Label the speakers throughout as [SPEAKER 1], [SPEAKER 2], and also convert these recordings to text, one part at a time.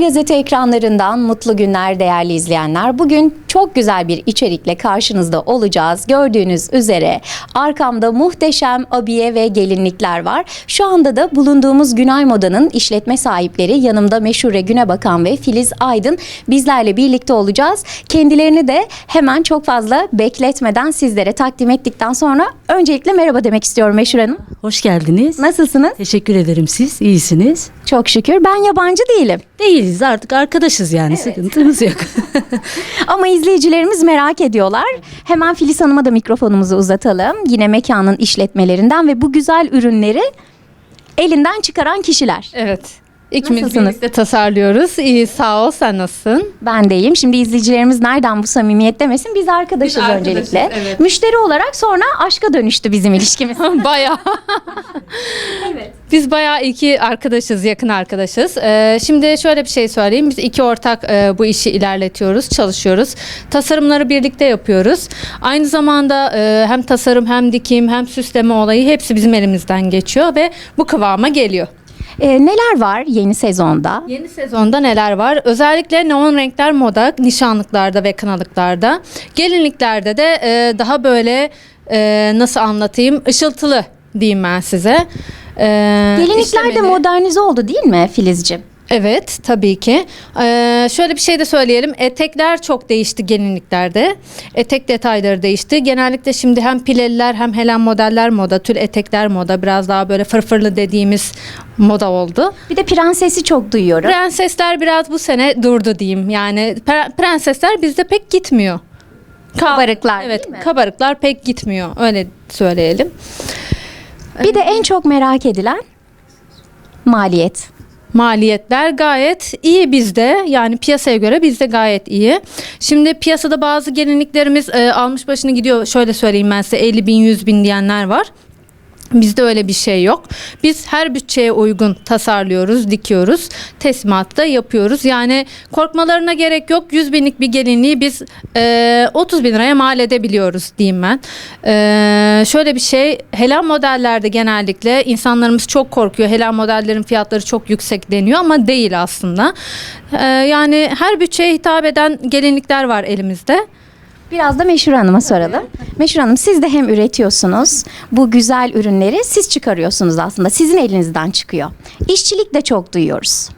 [SPEAKER 1] Gazete ekranlarından mutlu günler değerli izleyenler. Bugün çok güzel bir içerikle karşınızda olacağız. Gördüğünüz üzere arkamda muhteşem abiye ve gelinlikler var. Şu anda da bulunduğumuz Günay Moda'nın işletme sahipleri, yanımda Meşhure Günebakan ve Filiz Aydın bizlerle birlikte olacağız. Kendilerini de hemen çok fazla bekletmeden sizlere takdim ettikten sonra öncelikle merhaba demek istiyorum Meşhure Hanım.
[SPEAKER 2] Hoş geldiniz.
[SPEAKER 1] Nasılsınız?
[SPEAKER 2] Teşekkür ederim, siz iyisiniz.
[SPEAKER 1] Çok şükür. Ben yabancı değilim.
[SPEAKER 2] Değiliz, artık arkadaşız yani, sıkıntımız yok.
[SPEAKER 1] Ama izleyicilerimiz merak ediyorlar. Hemen Filiz Hanım'a da mikrofonumuzu uzatalım. Yine mekanın işletmelerinden ve bu güzel ürünleri elinden çıkaran kişiler.
[SPEAKER 3] Evet. İkimiz
[SPEAKER 1] Nasılsınız?
[SPEAKER 3] birlikte tasarlıyoruz. İyi, sağ ol. Sen nasılsın?
[SPEAKER 1] Ben deyim. Şimdi izleyicilerimiz nereden bu samimiyet demesin? Biz arkadaşız
[SPEAKER 3] Biz arkadaşız,
[SPEAKER 1] öncelikle.
[SPEAKER 3] evet.
[SPEAKER 1] Müşteri olarak sonra aşka dönüştü bizim ilişkimiz.
[SPEAKER 3] Bayağı.
[SPEAKER 1] Evet.
[SPEAKER 3] Biz bayağı iki arkadaşız, yakın arkadaşız. Şimdi şöyle bir şey söyleyeyim. Biz iki ortak bu işi ilerletiyoruz, çalışıyoruz. Tasarımları birlikte yapıyoruz. Aynı zamanda hem tasarım hem dikim hem süsleme olayı hepsi bizim elimizden geçiyor ve bu kıvama geliyor.
[SPEAKER 1] Neler var yeni sezonda?
[SPEAKER 3] Yeni sezonda neler var? Özellikle neon renkler moda, nişanlıklarda ve kınalıklarda. Gelinliklerde de daha böyle nasıl anlatayım? Işıltılı diyeyim ben size.
[SPEAKER 1] Gelinlikler de
[SPEAKER 3] işlemeli.
[SPEAKER 1] modernize oldu değil mi Filizciğim?
[SPEAKER 3] Evet, tabii ki. Şöyle bir şey de söyleyelim. Etekler çok değişti gelinliklerde. Etek detayları değişti. Genellikle şimdi hem pileliler hem helen modeller moda, tül etekler moda. Biraz daha böyle fırfırlı dediğimiz moda oldu.
[SPEAKER 1] Bir de prensesi çok duyuyorum.
[SPEAKER 3] Prensesler biraz bu sene durdu diyeyim. Yani prensesler bizde pek gitmiyor.
[SPEAKER 1] Kabarıklar
[SPEAKER 3] Evet,
[SPEAKER 1] değil mi?
[SPEAKER 3] kabarıklar pek gitmiyor. Öyle söyleyelim.
[SPEAKER 1] Bir de en çok merak edilen maliyet.
[SPEAKER 3] Maliyetler gayet iyi bizde. Yani piyasaya göre bizde gayet iyi. Şimdi piyasada bazı gelinliklerimiz almış başını gidiyor. Şöyle söyleyeyim ben size, 50 bin 100 bin diyenler var. Bizde öyle bir şey yok. Biz her bütçeye uygun tasarlıyoruz, dikiyoruz, teslimatı da yapıyoruz. Yani korkmalarına gerek yok. 100 binlik bir gelinliği biz 30 bin liraya mal edebiliyoruz diyeyim ben. Şöyle bir şey, helen modellerde genellikle insanlarımız çok korkuyor. Helen modellerin fiyatları çok yüksek deniyor ama değil aslında. Yani her bütçeye hitap eden gelinlikler var elimizde.
[SPEAKER 1] Biraz da Meşhure Hanım'a soralım. Meşhure Hanım, siz de hem üretiyorsunuz, bu güzel ürünleri siz çıkarıyorsunuz aslında. Sizin elinizden çıkıyor. İşçilik de çok duyuyoruz.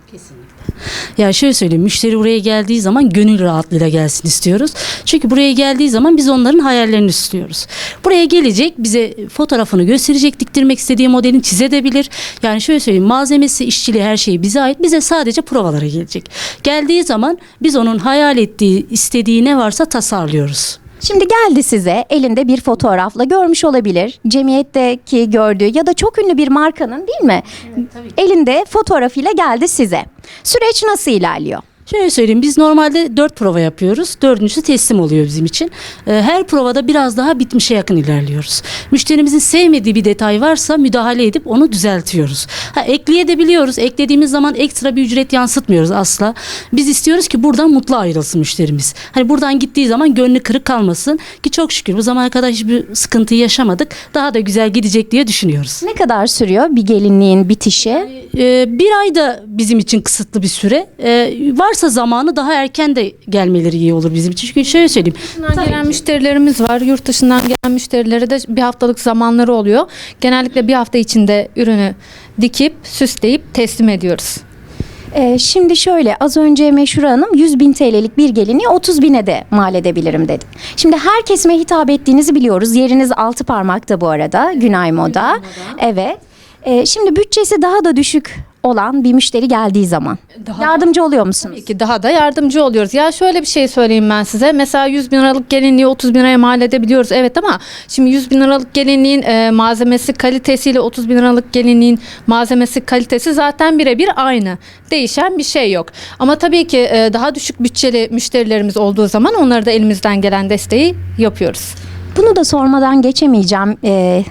[SPEAKER 2] Ya şöyle söyleyeyim, müşteri buraya geldiği zaman gönül rahatlığıyla gelsin istiyoruz. Çünkü buraya geldiği zaman biz onların hayallerini istiyoruz. Buraya gelecek, bize fotoğrafını gösterecek, diktirmek istediği modelini çizebilir. Yani şöyle söyleyeyim, malzemesi, işçiliği, her şeyi bize ait. Bize sadece provalara gelecek. Geldiği zaman biz onun hayal ettiği, istediği ne varsa tasarlıyoruz.
[SPEAKER 1] Şimdi geldi size elinde bir fotoğrafla, görmüş olabilir. Cemiyetteki gördüğü ya da çok ünlü bir markanın, değil mi? Elinde fotoğrafıyla geldi size. Süreç nasıl ilerliyor?
[SPEAKER 2] Şöyle söyleyeyim, biz normalde 4 prova yapıyoruz. 4.'sü teslim oluyor bizim için. Her provada biraz daha bitmişe yakın ilerliyoruz. Müşterimizin sevmediği bir detay varsa müdahale edip onu düzeltiyoruz. Ekleyebiliyoruz. Eklediğimiz zaman ekstra bir ücret yansıtmıyoruz asla. Biz istiyoruz ki buradan mutlu ayrılsın müşterimiz. Hani buradan gittiği zaman gönlü kırık kalmasın ki çok şükür bu zamana kadar hiçbir sıkıntı yaşamadık. Daha da güzel gidecek diye düşünüyoruz.
[SPEAKER 1] Ne kadar sürüyor bir gelinliğin bitişi?
[SPEAKER 2] Bir ay da bizim için kısıtlı bir süre. Varsa zamanı daha erken de gelmeleri iyi olur bizim için. Çünkü şöyle söyleyeyim.
[SPEAKER 3] Dışından gelen müşterilerimiz var. Yurt dışından gelen müşterilere de bir haftalık zamanları oluyor. Genellikle bir hafta içinde ürünü dikip, süsleyip teslim ediyoruz.
[SPEAKER 1] Şimdi şöyle, az önce Meşhure Hanım 100 bin TL'lik bir gelinliği 30 bine de mal edebilirim dedi. Şimdi her kesime hitap ettiğinizi biliyoruz. Yeriniz altı parmakta bu arada, Günay Moda. Evet. Şimdi bütçesi daha da düşük olan bir müşteri geldiği zaman yardımcı oluyor musunuz?
[SPEAKER 3] Tabii ki daha da yardımcı oluyoruz. Ya şöyle bir şey söyleyeyim ben size. Mesela 100 bin liralık gelinliği 30 bin liraya mal edebiliyoruz. Evet, ama şimdi 100 bin liralık gelinliğin malzemesi kalitesiyle 30 bin liralık gelinliğin malzemesi kalitesi zaten birebir aynı. Değişen bir şey yok. Ama tabii ki daha düşük bütçeli müşterilerimiz olduğu zaman onlara da elimizden gelen desteği yapıyoruz.
[SPEAKER 1] Bunu da sormadan geçemeyeceğim.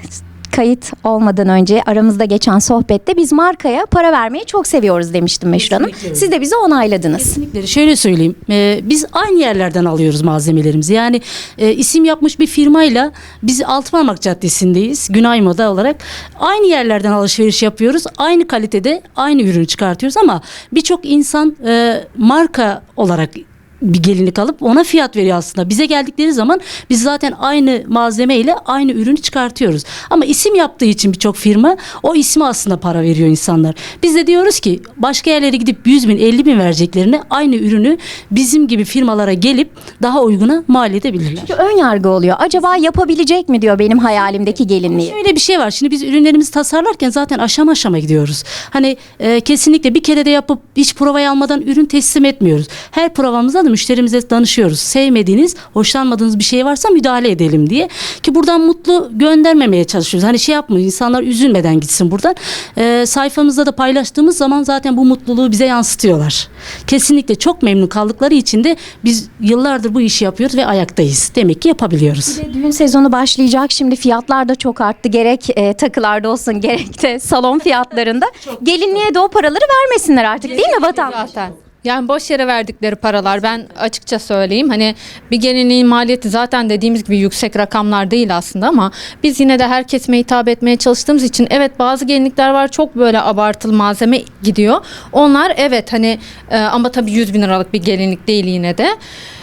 [SPEAKER 1] kayıt olmadan önce aramızda geçen sohbette biz markaya para vermeyi çok seviyoruz demiştim Meşhur Hanım.
[SPEAKER 2] Kesinlikle öyle.
[SPEAKER 1] Siz de bize onayladınız.
[SPEAKER 2] Kesinlikle. Şöyle söyleyeyim. Biz aynı yerlerden alıyoruz malzemelerimizi. Yani isim yapmış bir firmayla biz Altınparmak Caddesi'ndeyiz. Günay Moda olarak. Aynı yerlerden alışveriş yapıyoruz. Aynı kalitede aynı ürünü çıkartıyoruz ama birçok insan marka olarak bir gelinlik alıp ona fiyat veriyor aslında. Bize geldikleri zaman biz zaten aynı malzeme ile aynı ürünü çıkartıyoruz. Ama isim yaptığı için birçok firma o ismi aslında para veriyor insanlar. Biz de diyoruz ki başka yerlere gidip 100 bin 50 bin vereceklerine aynı ürünü bizim gibi firmalara gelip daha uyguna mal edebilirler.
[SPEAKER 1] Ön yargı oluyor. Acaba yapabilecek mi diyor benim hayalimdeki gelinliği.
[SPEAKER 2] Şöyle bir şey var. Şimdi biz ürünlerimizi tasarlarken zaten aşama aşama gidiyoruz. Hani kesinlikle bir kere de yapıp hiç provayı almadan ürün teslim etmiyoruz. Her provamızda da müşterimize danışıyoruz. Sevmediğiniz, hoşlanmadığınız bir şey varsa müdahale edelim diye. Ki buradan mutlu göndermemeye çalışıyoruz. Hani şey yapmayın, insanlar üzülmeden gitsin buradan. Sayfamızda da paylaştığımız zaman zaten bu mutluluğu bize yansıtıyorlar. Kesinlikle çok memnun kaldıkları için de biz yıllardır bu işi yapıyoruz ve ayaktayız. Demek ki yapabiliyoruz.
[SPEAKER 1] Düğün sezonu başlayacak. Şimdi fiyatlar da çok arttı. Gerek takılarda olsun gerek de salon fiyatlarında. Gelinliğe de o paraları vermesinler artık değil mi vatandaş?
[SPEAKER 3] Zaten. Yani boş yere verdikleri paralar, ben açıkça söyleyeyim, hani bir gelinliğin maliyeti zaten dediğimiz gibi yüksek rakamlar değil aslında ama biz yine de her kesime hitap etmeye çalıştığımız için evet bazı gelinlikler var çok böyle abartılı malzeme gidiyor. Onlar evet hani ama tabii 100 bin liralık bir gelinlik değil yine de.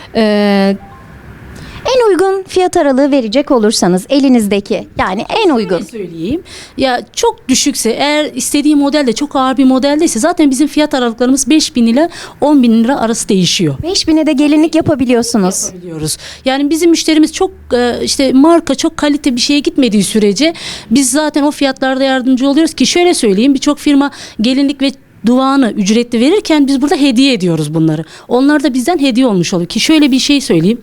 [SPEAKER 1] En uygun fiyat aralığı verecek olursanız elinizdeki yani en uygun.
[SPEAKER 2] Şöyle söyleyeyim. Ya çok düşükse eğer istediği model de çok ağır bir modeldeyse zaten bizim fiyat aralıklarımız 5 bin ile 10 bin lira arası değişiyor.
[SPEAKER 1] 5000'e de gelinlik yapabiliyorsunuz.
[SPEAKER 2] Biliyoruz. Yani bizim müşterimiz çok işte marka çok kalite bir şeye gitmediği sürece biz zaten o fiyatlarda yardımcı oluyoruz ki şöyle söyleyeyim birçok firma gelinlik ve duvağını ücretli verirken biz burada hediye ediyoruz bunları. Onlar da bizden hediye olmuş oluyor ki şöyle bir şey söyleyeyim.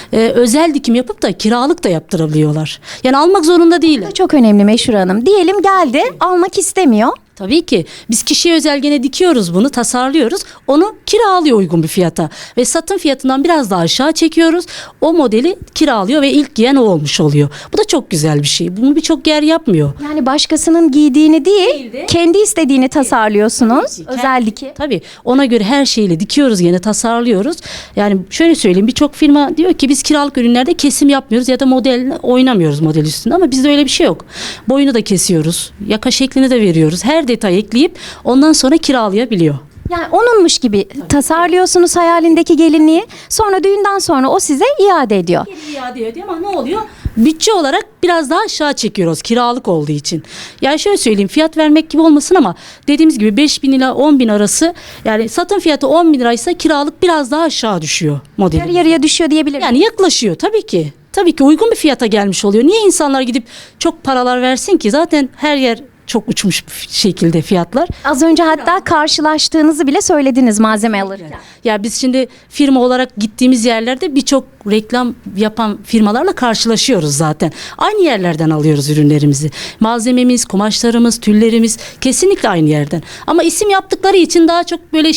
[SPEAKER 2] Özel dikim yapıp da kiralık da yaptırabiliyorlar. Yani almak zorunda değiller.
[SPEAKER 1] Çok önemli Meşhur Hanım. Diyelim geldi almak istemiyor.
[SPEAKER 2] Tabii ki. Biz kişiye özel gene dikiyoruz bunu, tasarlıyoruz. Onu kiralıyor uygun bir fiyata. Ve satın fiyatından biraz daha aşağı çekiyoruz. O modeli kiralıyor ve ilk giyen o olmuş oluyor. Bu da çok güzel bir şey. Bunu birçok yer yapmıyor.
[SPEAKER 1] Yani başkasının giydiğini değil, kendi istediğini tasarlıyorsunuz. Özel dikim.
[SPEAKER 2] Tabii ona göre her şeyle dikiyoruz gene tasarlıyoruz. Yani şöyle söyleyeyim birçok firma diyor ki biz kiralık ürünlerde kesim yapmıyoruz ya da model oynamıyoruz model üstünde ama bizde öyle bir şey yok. Boyunu da kesiyoruz. Yaka şeklini de veriyoruz. Her detay ekleyip ondan sonra kiralayabiliyor.
[SPEAKER 1] Yani onunmuş gibi tasarlıyorsunuz hayalindeki gelinliği. Sonra düğünden sonra o size iade ediyor.
[SPEAKER 2] Geri iade ediyor ama ne oluyor? Bütçe olarak biraz daha aşağı çekiyoruz kiralık olduğu için. Yani şöyle söyleyeyim fiyat vermek gibi olmasın ama dediğimiz gibi 5 bin ila 10 bin arası yani satın fiyatı 10 bin liraysa kiralık biraz daha aşağı düşüyor modeli.
[SPEAKER 1] Yarı yarıya düşüyor diyebilirim.
[SPEAKER 2] Yani yaklaşıyor tabii ki. Tabii ki uygun bir fiyata gelmiş oluyor. Niye insanlar gidip çok paralar versin ki? Zaten her yer çok uçmuş bir şekilde fiyatlar.
[SPEAKER 1] Az önce hatta karşılaştığınızı bile söylediniz malzeme alırken.
[SPEAKER 2] Ya biz şimdi firma olarak gittiğimiz yerlerde birçok reklam yapan firmalarla karşılaşıyoruz zaten. Aynı yerlerden alıyoruz ürünlerimizi. Malzememiz, kumaşlarımız, tüllerimiz kesinlikle aynı yerden. Ama isim yaptıkları için daha çok böyle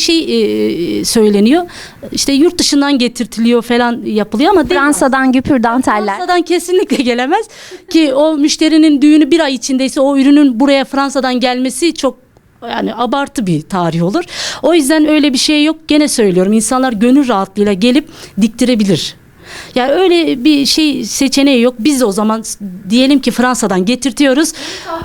[SPEAKER 2] söyleniyor. İşte yurt dışından getirtiliyor falan yapılıyor ama değil.
[SPEAKER 1] Fransa'dan güpür danteller.
[SPEAKER 2] Fransa'dan kesinlikle gelemez ki o müşterinin düğünü bir ay içindeyse o ürünün buraya Fransa'dan gelmesi çok yani abartı bir tarih olur. O yüzden öyle bir şey yok. Gene söylüyorum insanlar gönül rahatlığıyla gelip diktirebilir. Yani öyle bir şey seçeneği yok. Biz de o zaman diyelim ki Fransa'dan getirtiyoruz.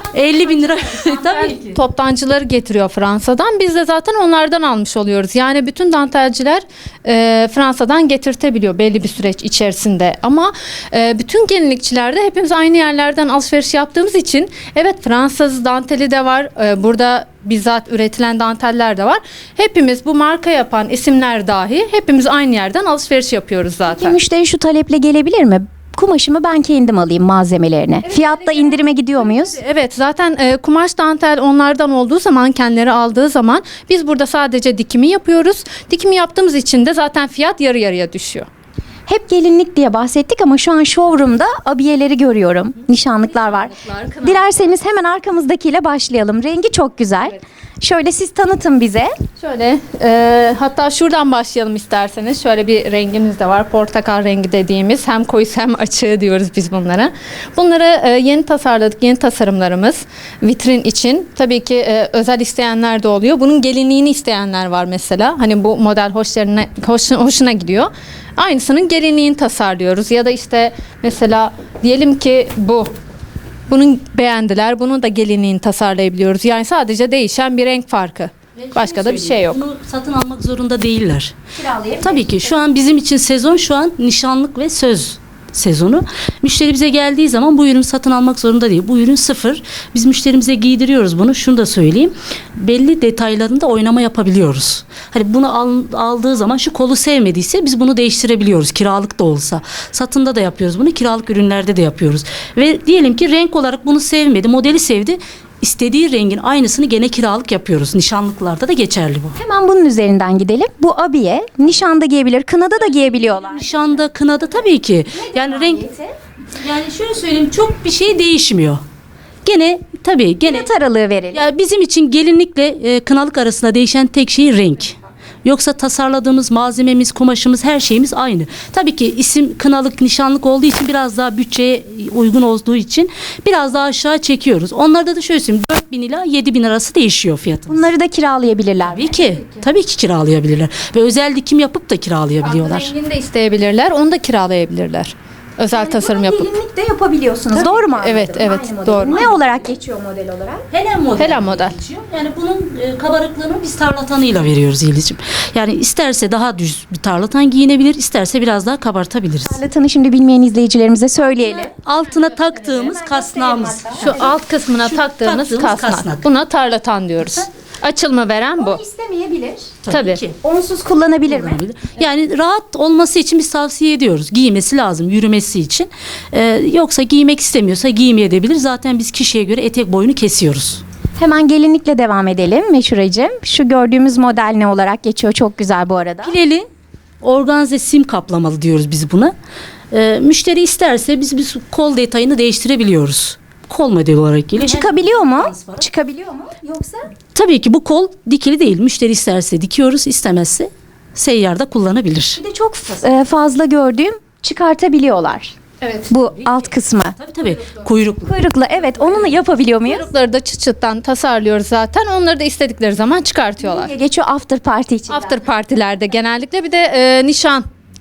[SPEAKER 2] 50 bin lira. Tabii ki.
[SPEAKER 3] Toptancıları getiriyor Fransa'dan. Biz de zaten onlardan almış oluyoruz. Yani bütün dantelciler Fransa'dan getirtebiliyor belli bir süreç içerisinde. Ama bütün gelinlikçiler de hepimiz aynı yerlerden alışveriş yaptığımız için evet Fransız danteli de var. Burada bizzat üretilen danteller de var. Hepimiz bu marka yapan isimler dahi hepimiz aynı yerden alışveriş yapıyoruz zaten.
[SPEAKER 1] Müşteri şu taleple gelebilir mi? Kumaşımı ben kendim alayım malzemelerini. Fiyatta indirime gidiyor muyuz?
[SPEAKER 3] Evet zaten kumaş dantel onlardan olduğu zaman kendileri aldığı zaman biz burada sadece dikimi yapıyoruz. Dikimi yaptığımız için de zaten fiyat yarı yarıya düşüyor.
[SPEAKER 1] Hep gelinlik diye bahsettik ama şu an showroom'da abiyeleri görüyorum. Nişanlıklar var.
[SPEAKER 3] kınalıklar.
[SPEAKER 1] Dilerseniz hemen arkamızdakiyle başlayalım. Rengi çok güzel. Şöyle siz tanıtın bize.
[SPEAKER 3] Şöyle hatta şuradan başlayalım isterseniz. Şöyle bir rengimiz de var. Portakal rengi dediğimiz. Hem koyusu hem açığı diyoruz biz bunlara. Bunları yeni tasarladık. Yeni tasarımlarımız vitrin için. Tabii ki özel isteyenler de oluyor. Bunun gelinliğini isteyenler var mesela. Hani bu model hoşuna gidiyor. Aynısının gelinliğini tasarlıyoruz. Ya da işte mesela diyelim ki bunun beğendiler. Bunun da gelinliğini tasarlayabiliyoruz. Yani sadece değişen bir renk farkı. Başka da bir şey yok.
[SPEAKER 2] Bunu satın almak zorunda değiller.
[SPEAKER 1] Kiralayabilir.
[SPEAKER 2] Tabii ki şu an bizim için sezon şu an nişanlık ve söz sezonu. Müşteri bize geldiği zaman bu ürünü satın almak zorunda değil. Bu ürün sıfır. Biz müşterimize giydiriyoruz bunu. Şunu da söyleyeyim. Belli detaylarında oynama yapabiliyoruz. Hani bunu aldığı zaman şu kolu sevmediyse biz bunu değiştirebiliyoruz. Kiralık da olsa. Satında da yapıyoruz bunu. Kiralık ürünlerde de yapıyoruz. Ve diyelim ki renk olarak bunu sevmedi. Modeli sevdi. İstediği rengin aynısını gene kiralık yapıyoruz. Nişanlıklarda da geçerli bu.
[SPEAKER 1] Hemen bunun üzerinden gidelim. Bu abiye nişanda giyebilir, kınada da giyebiliyorlar.
[SPEAKER 2] Nişanda, kınada tabii ki. Yani renk, yani şöyle söyleyeyim, çok bir şey değişmiyor. Gene tabii gene
[SPEAKER 1] Net aralığı verelim.
[SPEAKER 2] ya bizim için gelinlikle kınalık arasında değişen tek şey renk. Yoksa tasarladığımız malzememiz, kumaşımız, her şeyimiz aynı. Tabii ki isim kınalık, nişanlık olduğu için biraz daha bütçeye uygun olduğu için biraz daha aşağı çekiyoruz. Onlarda da şöyle söyleyeyim, 4.000 ila 7.000 arası değişiyor fiyatı.
[SPEAKER 1] Bunları da kiralayabilirler.
[SPEAKER 2] Tabii ki kiralayabilirler. Ve özel dikim yapıp da kiralayabiliyorlar.
[SPEAKER 3] Rengini de isteyebilirler. Onu da kiralayabilirler. Özel tasarım yapıp.
[SPEAKER 1] Gelinlik de yapabiliyorsunuz. Doğru mu anladım?
[SPEAKER 3] Evet, evet,
[SPEAKER 1] Aynı model.
[SPEAKER 3] doğru.
[SPEAKER 1] Ne olarak geçiyor model olarak?
[SPEAKER 2] Helen model.
[SPEAKER 3] Helen model.
[SPEAKER 2] geçiyor. Yani bunun kabarıklığını biz tarlatanıyla veriyoruz İliciğim. Yani isterse daha düz bir tarlatan giyinebilir, isterse biraz daha kabartabiliriz.
[SPEAKER 1] Tarlatanı şimdi bilmeyen izleyicilerimize söyleyelim.
[SPEAKER 2] Altına taktığımız kasnağımız.
[SPEAKER 3] Şu alt kısmına taktığımız kasnak. Buna tarlatan diyoruz. Açılma veren bu.
[SPEAKER 1] İstemeyebilir.
[SPEAKER 3] Tabii.
[SPEAKER 2] ki.
[SPEAKER 1] Onsuz kullanabilir mi?
[SPEAKER 2] Yani rahat olması için biz tavsiye ediyoruz. Giymesi lazım, yürümesi için. Yoksa giymek istemiyorsa giymeyebilir. Zaten biz kişiye göre etek boyunu kesiyoruz.
[SPEAKER 1] Hemen gelinlikle devam edelim Meşhuracığım. Şu gördüğümüz model ne olarak geçiyor? Çok güzel bu arada.
[SPEAKER 2] Pileli organze sim kaplamalı diyoruz biz buna. Müşteri isterse biz kol detayını değiştirebiliyoruz. Kol modeli olarak geliyor.
[SPEAKER 1] Çıkabiliyor mu? Çıkabiliyor mu? Yoksa?
[SPEAKER 2] Tabii ki bu kol dikili değil. Müşteri isterse dikiyoruz, istemezse seyyarda kullanabilir.
[SPEAKER 1] Bir de çok fazla gördüğüm çıkartabiliyorlar.
[SPEAKER 3] Evet.
[SPEAKER 1] Bu alt kısmı.
[SPEAKER 2] Tabii. Kuyruklu.
[SPEAKER 1] Kuyrukla evet onu yapabiliyor muyuz?
[SPEAKER 3] Kuyrukları da çıt çıttan tasarlıyoruz zaten. Onları da istedikleri zaman çıkartıyorlar.
[SPEAKER 1] Geçiyor after party için.
[SPEAKER 3] After partilerde genellikle bir de nişan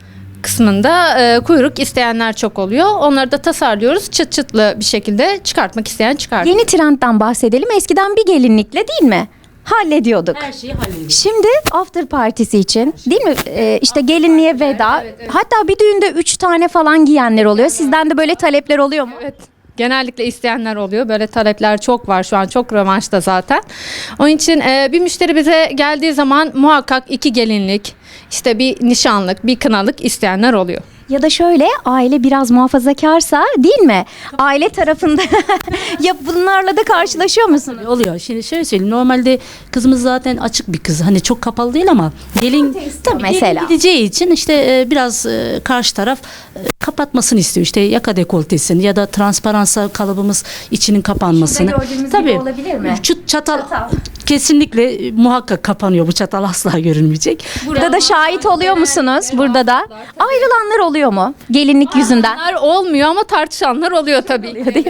[SPEAKER 3] kısmında kuyruk isteyenler çok oluyor. Onları da tasarlıyoruz. Çıt çıtlı bir şekilde çıkartmak isteyen çıkartıyor.
[SPEAKER 1] Yeni trendten bahsedelim. Eskiden bir gelinlikle değil mi? Hallediyorduk.
[SPEAKER 2] Her şeyi hallediyoruz.
[SPEAKER 1] Şimdi after partisi için değil mi? İşte gelinliğe veda. Hatta bir düğünde 3 tane falan giyenler oluyor. Sizden de böyle talepler oluyor mu?
[SPEAKER 3] Evet. Genellikle isteyenler oluyor. Böyle talepler çok var şu an. Çok revaçta zaten. Onun için bir müşteri bize geldiği zaman muhakkak 2 gelinlik, işte bir nişanlık, bir kınalık isteyenler oluyor.
[SPEAKER 1] Ya da şöyle aile biraz muhafazakarsa değil mi? Aile tarafında ya bunlarla da karşılaşıyor musunuz?
[SPEAKER 2] Oluyor. Şimdi şöyle söyleyeyim. Normalde kızımız zaten açık bir kız. Hani çok kapalı değil ama gelin tabii
[SPEAKER 1] mesela.
[SPEAKER 2] gelin gideceği için işte biraz karşı taraf kapatmasını istiyor. İşte yaka dekoltesini ya da transparansa kalıbımız içinin kapanmasını.
[SPEAKER 1] Şurada gördüğümüz gibi olabilir mi?
[SPEAKER 2] Çatal kesinlikle muhakkak kapanıyor. Bu çatal asla görünmeyecek.
[SPEAKER 1] Burada da şahit oluyor musunuz? Burada da ayrılanlar oluyor mu? Gelinlik yüzünden.
[SPEAKER 3] Bunlar olmuyor ama tartışanlar oluyor tabii.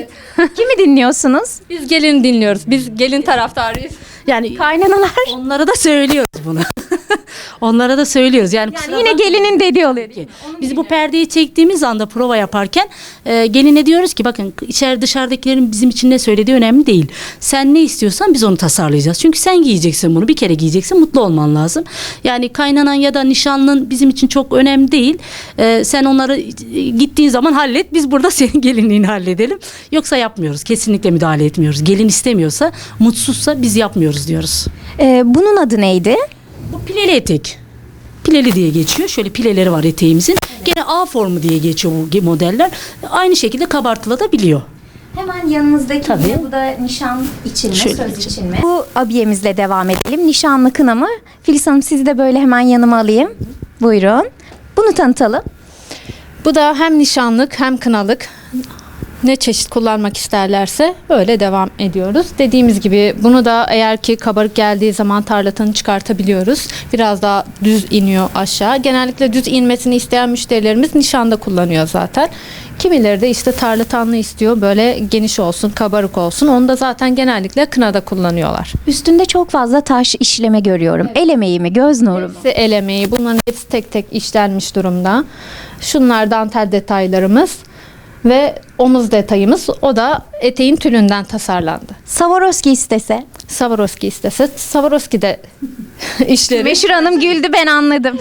[SPEAKER 1] Kimi dinliyorsunuz?
[SPEAKER 3] Biz gelin dinliyoruz. Biz gelin taraftarıyız.
[SPEAKER 2] Yani
[SPEAKER 1] Kaynanalar.
[SPEAKER 2] onlara da söylüyoruz bunu. Onlara da söylüyoruz. Yani, kusura
[SPEAKER 1] Yine gelinin dediği oluyor.
[SPEAKER 2] ki biz bu perdeyi çektiğimiz anda prova yaparken geline diyoruz ki bakın içeri dışarıdakilerin bizim için ne söylediği önemli değil. Sen ne istiyorsan biz onu tasarlayacağız. Çünkü sen giyeceksin bunu. Bir kere giyeceksin. Mutlu olman lazım. Yani kaynanan ya da nişanlın bizim için çok önemli değil. Sen onları gittiğin zaman hallet. Biz burada senin gelinliğini halledelim. Yoksa yapmıyoruz. Kesinlikle müdahale etmiyoruz. Gelin istemiyorsa, mutsuzsa biz yapmıyoruz diyoruz.
[SPEAKER 1] Bunun adı neydi?
[SPEAKER 2] Bu pileli etek. Pileli diye geçiyor. Şöyle pileleri var eteğimizin. Gene A formu diye geçiyor bu modeller. Aynı şekilde kabartılabiliyor.
[SPEAKER 1] Hemen yanınızdaki
[SPEAKER 2] Tabii.
[SPEAKER 1] bu da nişan için mi,
[SPEAKER 2] Şöyle
[SPEAKER 1] söz
[SPEAKER 2] geçelim.
[SPEAKER 1] için mi? Bu abiyemizle devam edelim. Nişanlı kına mı? Filiz Hanım sizi de böyle hemen yanıma alayım. Buyurun. Bunu tanıtalım.
[SPEAKER 3] Bu da hem nişanlık hem kınalık. Ne çeşit kullanmak isterlerse öyle devam ediyoruz. Dediğimiz gibi bunu da eğer ki kabarık geldiği zaman tarlatanı çıkartabiliyoruz. Biraz daha düz iniyor aşağı. Genellikle düz inmesini isteyen müşterilerimiz nişanda kullanıyor zaten. Kimileri de işte tarlatanlı istiyor, böyle geniş olsun, kabarık olsun. Onu da zaten genellikle kınada kullanıyorlar.
[SPEAKER 1] Üstünde çok fazla taş işleme görüyorum. El emeği mi, göz nuru mu?
[SPEAKER 3] Hepsi el emeği. Bunların hepsi tek tek işlenmiş durumda. Şunlar dantel detaylarımız ve omuz detayımız. O da eteğin tülünden tasarlandı.
[SPEAKER 1] Swarovski istese.
[SPEAKER 3] Swarovski istese, Swarovski de işleri.
[SPEAKER 1] Meşhur Hanım güldü, ben anladım.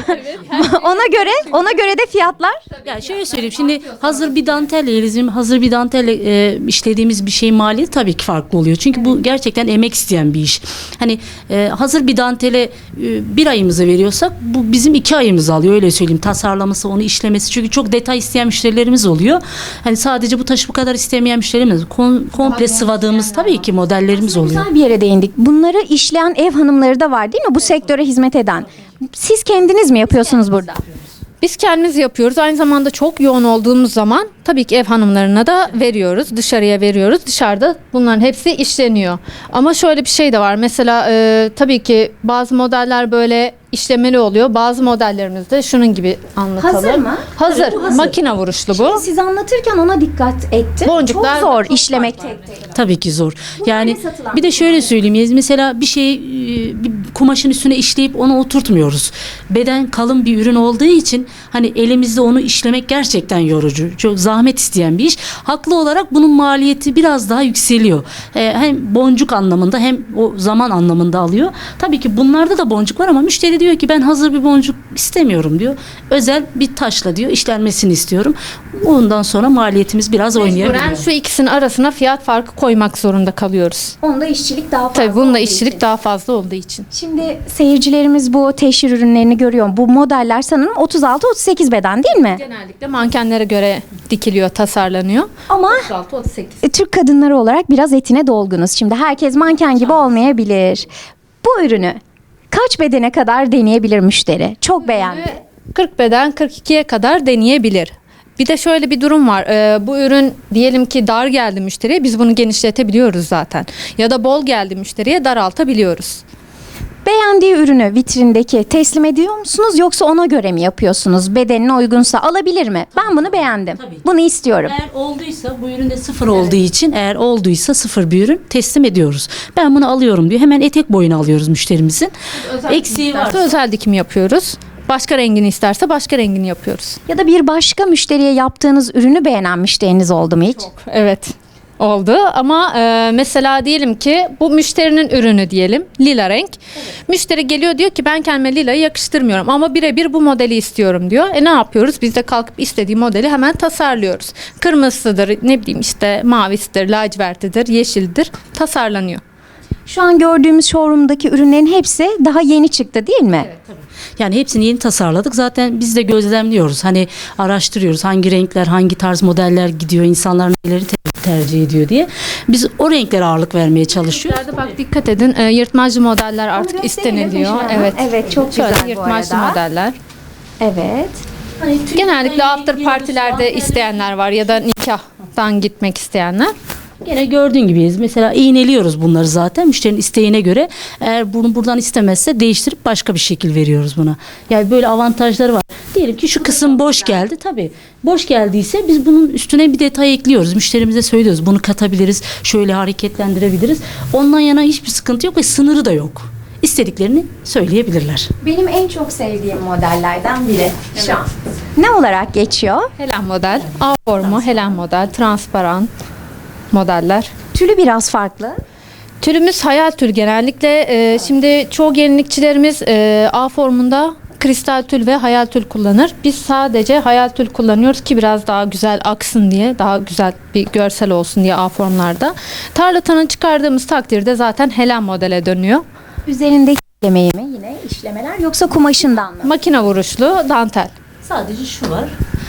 [SPEAKER 1] ona göre de fiyatlar.
[SPEAKER 2] Ya şöyle söyleyeyim, şimdi hazır bir dantelle, bizim hazır bir dantelle işlediğimiz bir şeyin maliyeti tabii ki farklı oluyor. Çünkü bu gerçekten emek isteyen bir iş. Hani hazır bir dantele bir ayımızı veriyorsak bu bizim 2 ayımızı alıyor, öyle söyleyeyim. Tasarlaması, onu işlemesi. Çünkü çok detay isteyen müşterilerimiz oluyor. Hani sadece bu taşı bu kadar istemeyen müşterilerimiz, komple sıvadığımız tabii ki modellerimiz oluyor.
[SPEAKER 1] Güzel bir yere değindik. Bunları işleyen ev hanımları da var değil mi? Bu sektöre hizmet eden. Siz kendiniz mi yapıyorsunuz burada?
[SPEAKER 3] Biz kendimiz yapıyoruz. Aynı zamanda çok yoğun olduğumuz zaman tabii ki ev hanımlarına da veriyoruz. Dışarıya veriyoruz. Dışarıda bunların hepsi işleniyor. Ama şöyle bir şey de var. Mesela tabii ki bazı modeller böyle işlemeli oluyor. Bazı modellerimiz de şunun gibi anlatalım.
[SPEAKER 1] Hazır mı?
[SPEAKER 3] Hazır.
[SPEAKER 1] Evet, bu hazır.
[SPEAKER 3] Makine vuruşlu bu.
[SPEAKER 1] Siz anlatırken ona dikkat ettim.
[SPEAKER 3] Boncuklar-
[SPEAKER 1] çok zor işlemek tek tek.
[SPEAKER 2] Tabii ki zor. Yani
[SPEAKER 1] ne satılan
[SPEAKER 2] bir de şöyle söyleyeyim. Mesela bir şeyi bir kumaşın üstüne işleyip onu oturtmuyoruz. Beden kalın bir ürün olduğu için hani elimizde onu işlemek gerçekten yorucu. Çok zahmet isteyen bir iş. Haklı olarak bunun maliyeti biraz daha yükseliyor. Hem boncuk anlamında hem o zaman anlamında alıyor. Tabii ki bunlarda da boncuk var ama müşteri diyor ki ben hazır bir boncuk istemiyorum diyor. Özel bir taşla diyor işlenmesini istiyorum. Ondan sonra maliyetimiz biraz oynayabiliyor.
[SPEAKER 3] Mecburen şu ikisinin arasına fiyat farkı koymak zorunda kalıyoruz.
[SPEAKER 1] Onda işçilik daha fazla.
[SPEAKER 3] Tabii bunda
[SPEAKER 1] olduğu
[SPEAKER 3] işçilik
[SPEAKER 1] için.
[SPEAKER 3] daha fazla olduğu için.
[SPEAKER 1] Şimdi seyircilerimiz bu teşhir ürünlerini görüyor. Bu modeller sanırım 36-38 beden değil mi?
[SPEAKER 3] Genellikle mankenlere göre dikiliyor, tasarlanıyor.
[SPEAKER 1] Ama
[SPEAKER 3] 36-38.
[SPEAKER 1] Türk kadınları olarak biraz etine dolgunuz. Şimdi herkes manken gibi olmayabilir. Bu ürünü kaç bedene kadar deneyebilir müşteri? Çok beğendi.
[SPEAKER 3] 40 beden 42'ye kadar deneyebilir. Bir de şöyle bir durum var. Bu ürün diyelim ki dar geldi müşteriye, biz bunu genişletebiliyoruz zaten. Ya da bol geldi müşteriye, daraltabiliyoruz.
[SPEAKER 1] Beğendiği ürünü vitrindeki teslim ediyor musunuz yoksa ona göre mi yapıyorsunuz? Bedenine uygunsa alabilir mi? Ben bunu beğendim.
[SPEAKER 2] Tabii.
[SPEAKER 1] Bunu istiyorum.
[SPEAKER 2] Eğer olduysa bu üründe sıfır olduğu için eğer olduysa sıfır bir ürün teslim ediyoruz. Ben bunu alıyorum diyor. Hemen etek boyunu alıyoruz müşterimizin. Eksiği var.
[SPEAKER 3] İsterse özel dikim yapıyoruz. Başka rengini isterse başka rengini yapıyoruz.
[SPEAKER 1] Ya da bir başka müşteriye yaptığınız ürünü beğenen müşteriniz oldu mu hiç?
[SPEAKER 3] Evet. Oldu ama mesela diyelim ki bu müşterinin ürünü diyelim, lila renk. Müşteri geliyor diyor ki ben kendime lilayı yakıştırmıyorum ama birebir bu modeli istiyorum diyor. Ne yapıyoruz? Biz de kalkıp istediği modeli hemen tasarlıyoruz. Kırmızısıdır, ne bileyim işte mavisidir, lacivertidir, yeşildir, tasarlanıyor.
[SPEAKER 1] Şu an gördüğümüz showroom'daki ürünlerin hepsi daha yeni çıktı değil mi?
[SPEAKER 2] Yani hepsini yeni tasarladık. Zaten biz de gözlemliyoruz. Hani araştırıyoruz hangi renkler, hangi tarz modeller gidiyor, insanlar neleri tercih ediyor diye. Biz o renklere ağırlık vermeye çalışıyoruz.
[SPEAKER 3] Renklerde bak dikkat edin, yırtmacı modeller artık
[SPEAKER 1] gösterelim
[SPEAKER 3] isteniliyor.
[SPEAKER 1] Meşhur Hanım.
[SPEAKER 3] Evet.
[SPEAKER 1] Evet, çok
[SPEAKER 3] Şöyle
[SPEAKER 1] güzel bu
[SPEAKER 3] yırtmacı
[SPEAKER 1] arada.
[SPEAKER 3] modeller.
[SPEAKER 1] Evet.
[SPEAKER 3] Genellikle after partilerde isteyenler var ya da nikahtan gitmek isteyenler.
[SPEAKER 2] Gene gördüğün gibiyiz. Mesela iğneliyoruz bunları zaten müşterinin isteğine göre. Eğer bunu buradan istemezse değiştirip başka bir şekil veriyoruz buna. Yani böyle avantajları var. Diyelim ki şu kısım boş geldi. Tabii boş geldiyse biz bunun üstüne bir detay ekliyoruz. Müşterimize söylüyoruz. Bunu katabiliriz. Şöyle hareketlendirebiliriz. Ondan yana hiçbir sıkıntı yok ve sınırı da yok. İstediklerini söyleyebilirler.
[SPEAKER 1] Benim en çok sevdiğim modellerden biri şu an. Ne olarak geçiyor?
[SPEAKER 3] Helen model, A formu, Helen model, transparan modeller.
[SPEAKER 1] Tülü biraz farklı.
[SPEAKER 3] Türümüz hayal tül genellikle. Şimdi çoğu gelinlikçilerimiz A formunda kristal tül ve hayal tül kullanır. Biz sadece hayal tül kullanıyoruz ki biraz daha güzel aksın diye, daha güzel bir görsel olsun diye A formlarda. Tarlatanı çıkardığımız takdirde zaten Helen modele dönüyor.
[SPEAKER 1] Üzerindeki işlemeyi mi yine işlemeler yoksa kumaşından mı?
[SPEAKER 3] Makine vuruşlu dantel.
[SPEAKER 2] Sadece şu var.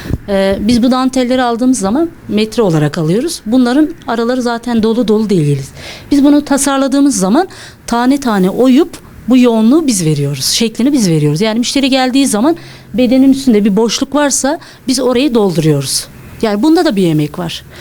[SPEAKER 2] Biz bu dantelleri aldığımız zaman metre olarak alıyoruz. Bunların araları zaten dolu dolu değiliz. Biz bunu tasarladığımız zaman tane tane oyup bu yoğunluğu biz veriyoruz. Şeklini biz veriyoruz. Yani müşteri geldiği zaman bedenin üstünde bir boşluk varsa biz orayı dolduruyoruz. Yani bunda da bir emek var.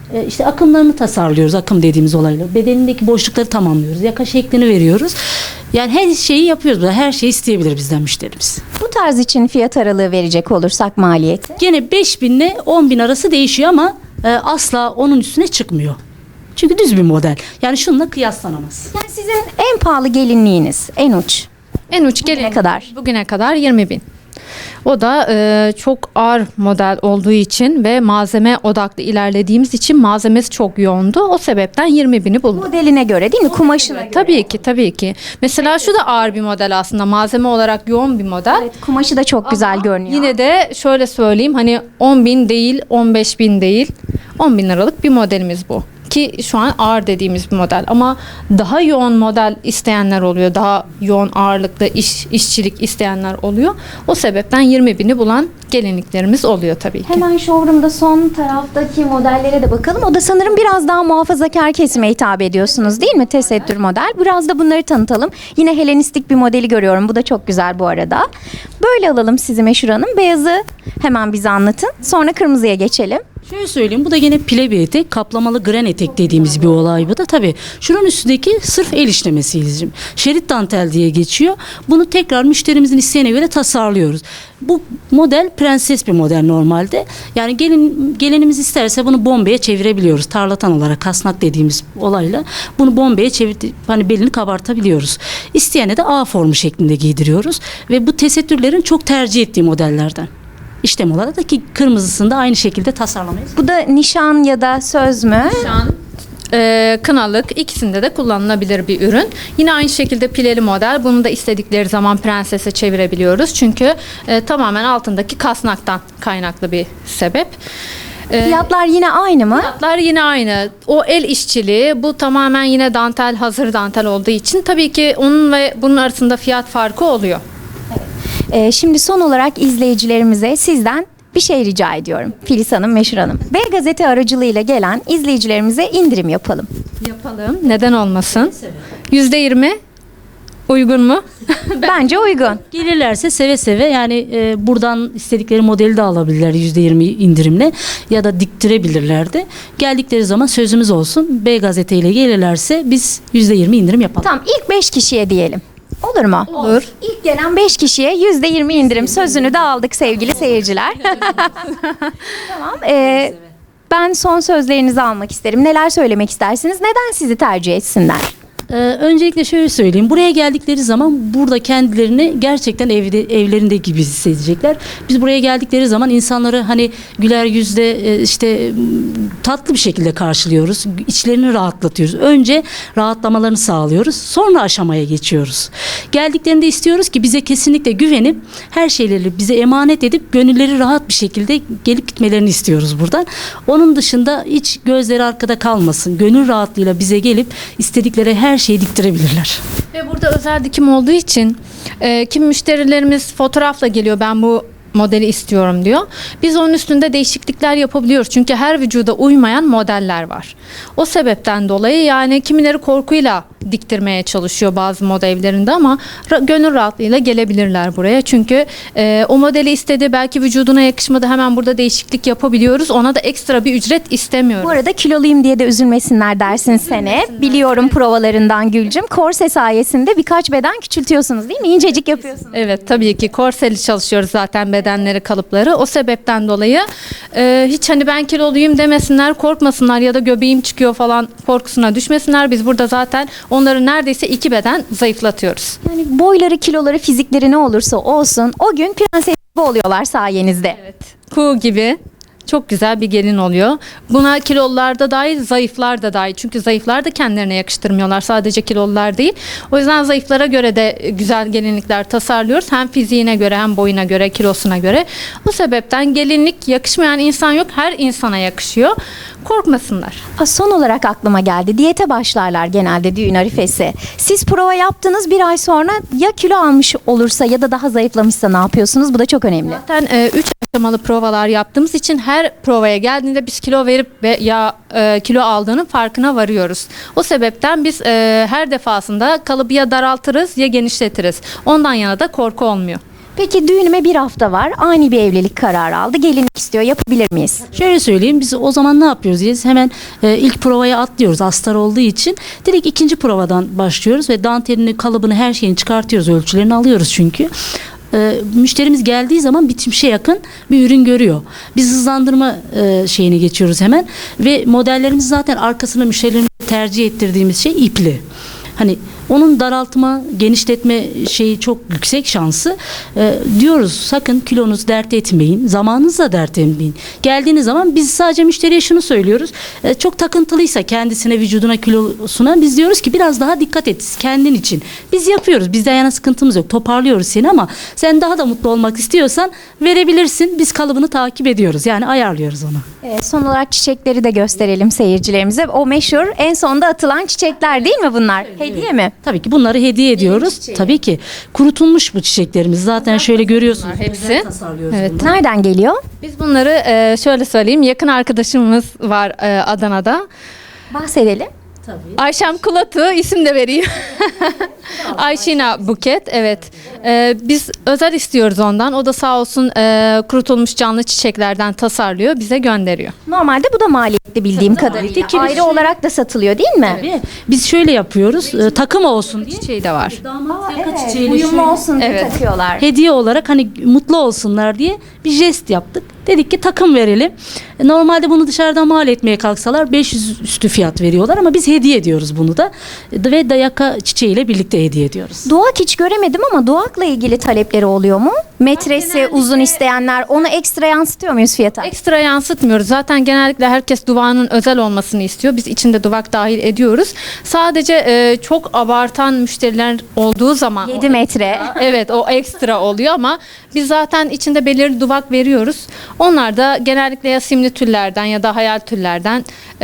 [SPEAKER 2] İşte akımlarını tasarlıyoruz, akım dediğimiz olayla. Bedenindeki boşlukları tamamlıyoruz. Yaka şeklini veriyoruz. Yani her şeyi yapıyoruz. Her şeyi isteyebilir bizden müşterimiz.
[SPEAKER 1] Bu tarz için fiyat aralığı verecek olursak maliyeti.
[SPEAKER 2] Gene 5.000 ile 10.000 arası değişiyor ama asla onun üstüne çıkmıyor. Çünkü düz bir model. Yani şununla kıyaslanamaz.
[SPEAKER 1] Yani sizin en pahalı gelinliğiniz, en uç.
[SPEAKER 3] En uç gelin
[SPEAKER 1] kadar?
[SPEAKER 3] Bugüne kadar 20.000. O da çok ağır model olduğu için ve malzeme odaklı ilerlediğimiz için malzemesi çok yoğundu. O sebepten 20.000'i buldu.
[SPEAKER 1] Modeline göre değil mi? Kumaşına göre.
[SPEAKER 3] Tabii ki. Mesela şu da ağır bir model aslında. Malzeme olarak yoğun bir model.
[SPEAKER 1] Evet, kumaşı da çok güzel görünüyor.
[SPEAKER 3] Yine de şöyle söyleyeyim, hani 10.000 değil, 15.000 değil, 10.000 liralık bir modelimiz bu. Ki şu an ağır dediğimiz bir model, ama daha yoğun model isteyenler oluyor. Daha yoğun ağırlıklı işçilik isteyenler oluyor. O sebepten 20.000'i bulan gelinliklerimiz oluyor tabii ki.
[SPEAKER 1] Hemen showroom'da son taraftaki modellere de bakalım. O da sanırım biraz daha muhafazakar kesime hitap ediyorsunuz değil mi? Tesettür model. Biraz da bunları tanıtalım. Yine Helenistik bir modeli görüyorum. Bu da çok güzel bu arada. Böyle alalım sizi Meşhur Hanım. Beyazı hemen bize anlatın. Sonra kırmızıya geçelim.
[SPEAKER 2] Şöyle söyleyeyim, bu da gene pile bir etek, kaplamalı gren etek dediğimiz bir olay bu da. Tabii şunun üstündeki sırf el işlemesi izim. Şerit dantel diye geçiyor. Bunu tekrar müşterimizin isteğine göre tasarlıyoruz. Bu model prenses bir model normalde. Yani gelinimiz isterse bunu bombeye çevirebiliyoruz. Tarlatan olarak kasnak dediğimiz olayla bunu bombeye çevirip hani belini kabartabiliyoruz. İsteyene de A formu şeklinde giydiriyoruz ve bu tesettürlerin çok tercih ettiği modellerden. İşlem olarak da ki kırmızısını da aynı şekilde tasarlamayız.
[SPEAKER 1] Bu da nişan ya da söz mü?
[SPEAKER 3] Nişan, kınalık, ikisinde de kullanılabilir bir ürün. Yine aynı şekilde pileli model. Bunu da istedikleri zaman prensese çevirebiliyoruz. Çünkü tamamen altındaki kasnaktan kaynaklı bir sebep.
[SPEAKER 1] Fiyatlar yine aynı mı?
[SPEAKER 3] Fiyatlar yine aynı. O el işçiliği, bu tamamen yine dantel, hazır dantel olduğu için tabii ki onun ve bunun arasında fiyat farkı oluyor.
[SPEAKER 1] Şimdi son olarak izleyicilerimize sizden bir şey rica ediyorum. Filiz Hanım, Meşhur Hanım. B Gazete aracılığıyla gelen izleyicilerimize indirim yapalım.
[SPEAKER 3] Yapalım. Neden olmasın? %20 uygun mu?
[SPEAKER 1] Bence uygun.
[SPEAKER 2] Gelirlerse seve seve yani buradan istedikleri modeli de alabilirler %20 indirimle ya da diktirebilirler de. Geldikleri zaman sözümüz olsun. B Gazete ile gelirlerse biz %20 indirim yapalım.
[SPEAKER 1] Tamam, ilk 5 kişiye diyelim. Olur mu?
[SPEAKER 3] Olur.
[SPEAKER 1] İlk gelen 5 kişiye %20 indirim sözünü de aldık sevgili seyirciler. Tamam. Ben son sözlerinizi almak isterim. Neler söylemek istersiniz? Neden sizi tercih etsinler?
[SPEAKER 2] Öncelikle şöyle söyleyeyim. Buraya geldikleri zaman burada kendilerini gerçekten evlerinde gibi hissedecekler. Biz buraya geldikleri zaman insanları hani güler yüzle işte tatlı bir şekilde karşılıyoruz. İçlerini rahatlatıyoruz. Önce rahatlamalarını sağlıyoruz. Sonra aşamaya geçiyoruz. Geldiklerinde istiyoruz ki bize kesinlikle güvenip her şeyleri bize emanet edip gönülleri rahat bir şekilde gelip gitmelerini istiyoruz buradan. Onun dışında hiç gözleri arkada kalmasın. Gönül rahatlığıyla bize gelip istedikleri her şeyi diktirebilirler.
[SPEAKER 3] Ve burada özel dikim olduğu için kim müşterilerimiz fotoğrafla geliyor, ben bu modeli istiyorum diyor. Biz onun üstünde değişiklikler yapabiliyoruz. Çünkü her vücuda uymayan modeller var. O sebepten dolayı yani kimileri korkuyla diktirmeye çalışıyor bazı moda evlerinde, ama gönül rahatlığıyla gelebilirler buraya. Çünkü o modeli istedi, belki vücuduna yakışmadı, hemen burada değişiklik yapabiliyoruz. Ona da ekstra bir ücret istemiyoruz.
[SPEAKER 1] Bu arada kiloluyum diye de üzülmesinler dersin sene. Biliyorum provalarından Gülcüm. Korse sayesinde birkaç beden küçültüyorsunuz değil mi? İncecik yapıyorsunuz.
[SPEAKER 3] Evet, tabii ki korseli çalışıyoruz zaten, bedenleri, kalıpları. O sebepten dolayı hiç hani ben kiloluyum demesinler, korkmasınlar ya da göbeğim çıkıyor falan korkusuna düşmesinler. Biz burada zaten onları neredeyse 2 beden zayıflatıyoruz.
[SPEAKER 1] Yani boyları, kiloları, fizikleri ne olursa olsun o gün prenses gibi oluyorlar sayenizde.
[SPEAKER 3] Evet. Kuğu gibi çok güzel bir gelin oluyor. Buna kilolular da dahil, zayıflar da dahil. Çünkü zayıflar da kendilerine yakıştırmıyorlar. Sadece kilolular değil. O yüzden zayıflara göre de güzel gelinlikler tasarlıyoruz. Hem fiziğine göre, hem boyuna göre, kilosuna göre. Bu sebepten gelinlik yakışmayan insan yok. Her insana yakışıyor. Korkmasınlar.
[SPEAKER 1] Son olarak aklıma geldi. Diyete başlarlar genelde düğün arifesi. Siz prova yaptınız, bir ay sonra ya kilo almış olursa ya da daha zayıflamışsa ne yapıyorsunuz? Bu da çok önemli.
[SPEAKER 3] Zaten 3 aşamalı provalar yaptığımız için her provaya geldiğinde biz kilo verip ve kilo aldığının farkına varıyoruz. O sebepten biz her defasında kalıbı ya daraltırız ya genişletiriz. Ondan yana da korku olmuyor.
[SPEAKER 1] Peki düğünüme bir hafta var. Ani bir evlilik kararı aldı. Gelinlik istiyor. Yapabilir miyiz?
[SPEAKER 2] Şöyle söyleyeyim, biz o zaman ne yapıyoruz diye hemen ilk provaya atlıyoruz astar olduğu için. Direkt ikinci provadan başlıyoruz ve dantelini, kalıbını, her şeyini çıkartıyoruz, ölçülerini alıyoruz çünkü. Müşterimiz geldiği zaman bitmişe yakın bir ürün görüyor. Biz hızlandırma şeyini geçiyoruz hemen ve modellerimiz zaten arkasına müşterilerin tercih ettirdiğimiz şey ipli. Hani onun daraltma, genişletme şeyi çok yüksek şansı. Diyoruz sakın kilonuz dert etmeyin, zamanınızla dert etmeyin. Geldiğiniz zaman biz sadece müşteriye şunu söylüyoruz. Çok takıntılıysa kendisine, vücuduna, kilosuna biz diyoruz ki biraz daha dikkat et kendin için. Biz yapıyoruz. Bizde yana sıkıntımız yok. Toparlıyoruz seni ama sen daha da mutlu olmak istiyorsan verebilirsin. Biz kalıbını takip ediyoruz. Yani ayarlıyoruz onu.
[SPEAKER 1] Son olarak çiçekleri de gösterelim seyircilerimize. O meşhur en sonda atılan çiçekler değil mi bunlar? Hediye mi?
[SPEAKER 2] Tabii ki bunları hediye ediyoruz. Tabii ki kurutulmuş bu çiçeklerimiz. Zaten şöyle görüyorsunuz.
[SPEAKER 3] Bunlar hepsi.
[SPEAKER 2] Özel tasarlıyoruz
[SPEAKER 3] Evet.
[SPEAKER 2] bunları.
[SPEAKER 1] Nereden geliyor?
[SPEAKER 3] Biz bunları şöyle söyleyeyim. Yakın arkadaşımız var Adana'da.
[SPEAKER 1] Bahsedelim.
[SPEAKER 2] Tabii.
[SPEAKER 3] Ayşem Kulatu isim de vereyim. Ayşina Buket, evet. Biz özel istiyoruz ondan. O da sağ olsun kurutulmuş canlı çiçeklerden tasarlıyor, bize gönderiyor.
[SPEAKER 1] Normalde bu da maliyetli bildiğim
[SPEAKER 2] Tabii,
[SPEAKER 1] kadarıyla.
[SPEAKER 2] maliyetli.
[SPEAKER 1] Ayrı olarak da satılıyor değil mi?
[SPEAKER 2] Tabii. Biz şöyle yapıyoruz. Takım olsun diye.
[SPEAKER 3] Çiçeği de var.
[SPEAKER 2] Damat yaka
[SPEAKER 1] Evet,
[SPEAKER 2] çiçeğiyle
[SPEAKER 1] uyumlu
[SPEAKER 2] şöyle
[SPEAKER 1] olsun diye
[SPEAKER 3] Evet.
[SPEAKER 1] takıyorlar.
[SPEAKER 2] hediye olarak hani mutlu olsunlar diye bir jest yaptık. Dedik ki takım verelim. Normalde bunu dışarıdan mal etmeye kalksalar 500 üstü fiyat veriyorlar ama biz hediye ediyoruz bunu da. Ve dayaka çiçeğiyle birlikte hediye ediyoruz.
[SPEAKER 1] Doğak hiç göremedim ama doğakla ilgili talepleri oluyor mu? Metresi uzun isteyenler onu ekstra yansıtıyor muyuz fiyata?
[SPEAKER 3] Ekstra yansıtmıyoruz. Zaten genellikle herkes duvağının özel olmasını istiyor. Biz içinde duvak dahil ediyoruz. Sadece çok abartan müşteriler olduğu zaman
[SPEAKER 1] 7 metre.
[SPEAKER 3] evet, o ekstra oluyor ama biz zaten içinde belirli duvak veriyoruz. Onlar da genellikle ya simli tüllerden ya da hayal tüllerden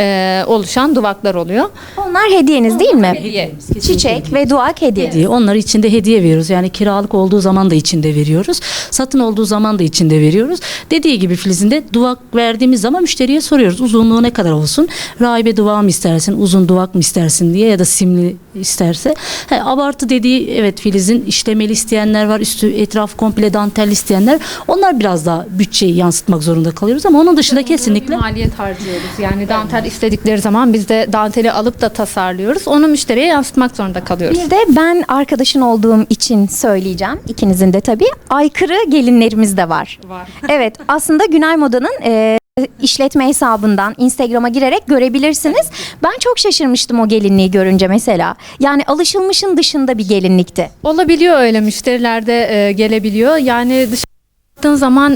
[SPEAKER 3] oluşan duvaklar oluyor.
[SPEAKER 1] Onlar hediyeniz değil mi?
[SPEAKER 3] Hediye.
[SPEAKER 1] Çiçek ve duak hediye.
[SPEAKER 2] Hediye. Onları içinde hediye veriyoruz. Yani kiralık olduğu zaman da içinde veriyoruz. Satın olduğu zaman da içinde veriyoruz. Dediği gibi Filiz'in de duvak verdiğimiz zaman müşteriye soruyoruz. Uzunluğu ne kadar olsun? Rahibe duvağı mı istersin? Uzun duvak mı istersin diye ya da simli isterse. Abartı dediği evet Filiz'in işlemeli isteyenler var. Üstü etraf komple dantel isteyenler. Onlar biraz daha bütçeyi yansıtmak zorunda kalıyoruz ama onun dışında kesinlikle
[SPEAKER 3] Maliyet harcıyoruz. Yani dantel istedikleri zaman biz de danteli alıp da tasarlıyoruz. Onu müşteriye yansıtmak zorunda kalıyoruz.
[SPEAKER 1] Bir de ben arkadaşın olduğum için söyleyeceğim. İkinizin de tabii. Aykırı gelinlerimiz de var.
[SPEAKER 3] Var.
[SPEAKER 1] Evet, aslında Günay Moda'nın işletme hesabından Instagram'a girerek görebilirsiniz. Ben çok şaşırmıştım o gelinliği görünce mesela. Yani alışılmışın dışında bir gelinlikti.
[SPEAKER 3] Olabiliyor, öyle müşteriler de gelebiliyor. Yani dışarı baktığın zaman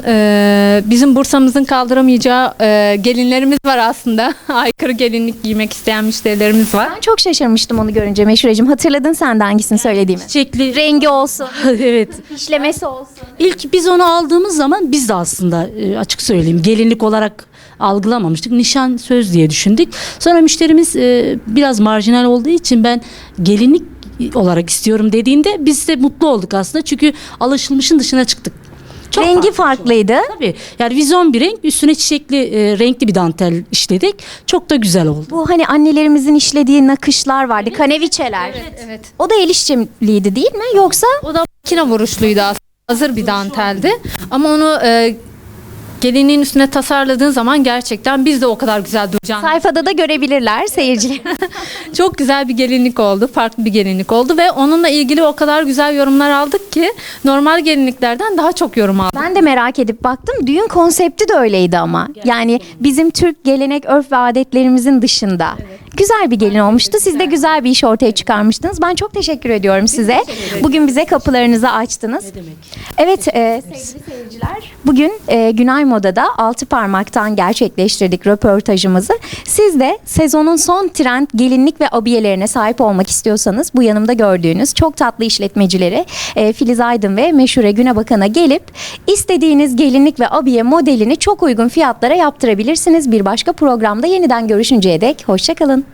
[SPEAKER 3] bizim Bursa'mızın kaldıramayacağı gelinlerimiz var aslında. Aykırı gelinlik giymek isteyen müşterilerimiz var.
[SPEAKER 1] Ben çok şaşırmıştım onu görünce Meşhureciğim. Hatırladın sen de hangisini söylediğimi?
[SPEAKER 2] çiçekli
[SPEAKER 1] Rengi olsun,
[SPEAKER 2] evet.
[SPEAKER 1] işlemesi olsun.
[SPEAKER 2] İlk biz onu aldığımız zaman biz de aslında açık söyleyeyim gelinlik olarak algılamamıştık. Nişan söz diye düşündük. Sonra müşterimiz biraz marjinal olduğu için ben gelinlik olarak istiyorum dediğinde biz de mutlu olduk aslında. Çünkü alışılmışın dışına çıktık. Çok
[SPEAKER 1] Rengi
[SPEAKER 2] farklı.
[SPEAKER 1] farklıydı.
[SPEAKER 2] Tabii. Yani vizyon bir renk, üstüne çiçekli renkli bir dantel işledik. Çok da güzel oldu.
[SPEAKER 1] Bu hani annelerimizin işlediği nakışlar vardı, kaneviçeler.
[SPEAKER 3] Evet.
[SPEAKER 1] O da el işçiliğiydi değil mi? Yoksa
[SPEAKER 3] O da makine vuruşluydu aslında. Hazır bir danteldi. Ama onu gelinliğin üstüne tasarladığın zaman gerçekten biz de o kadar güzel duracağını.
[SPEAKER 1] sayfada da görebilirler seyirciler.
[SPEAKER 3] Çok güzel bir gelinlik oldu. Farklı bir gelinlik oldu ve onunla ilgili o kadar güzel yorumlar aldık ki normal gelinliklerden daha çok yorum aldık.
[SPEAKER 1] Ben de merak edip baktım. Düğün konsepti de öyleydi ama. Yani bizim Türk gelenek, örf ve adetlerimizin dışında. Güzel bir gelin olmuştu. Siz de güzel bir iş ortaya çıkarmıştınız. Ben çok teşekkür ediyorum size. Bugün bize kapılarınızı açtınız. Evet sevgili seyirciler. Bugün Günay Moda'da Altı Parmak'tan gerçekleştirdik röportajımızı. Siz de sezonun son trend gelinlik ve abiyelerine sahip olmak istiyorsanız bu yanımda gördüğünüz çok tatlı işletmecileri Filiz Aydın ve Meşhure Günebakan'a gelip istediğiniz gelinlik ve abiye modelini çok uygun fiyatlara yaptırabilirsiniz. Bir başka programda yeniden görüşünceye dek hoşça kalın.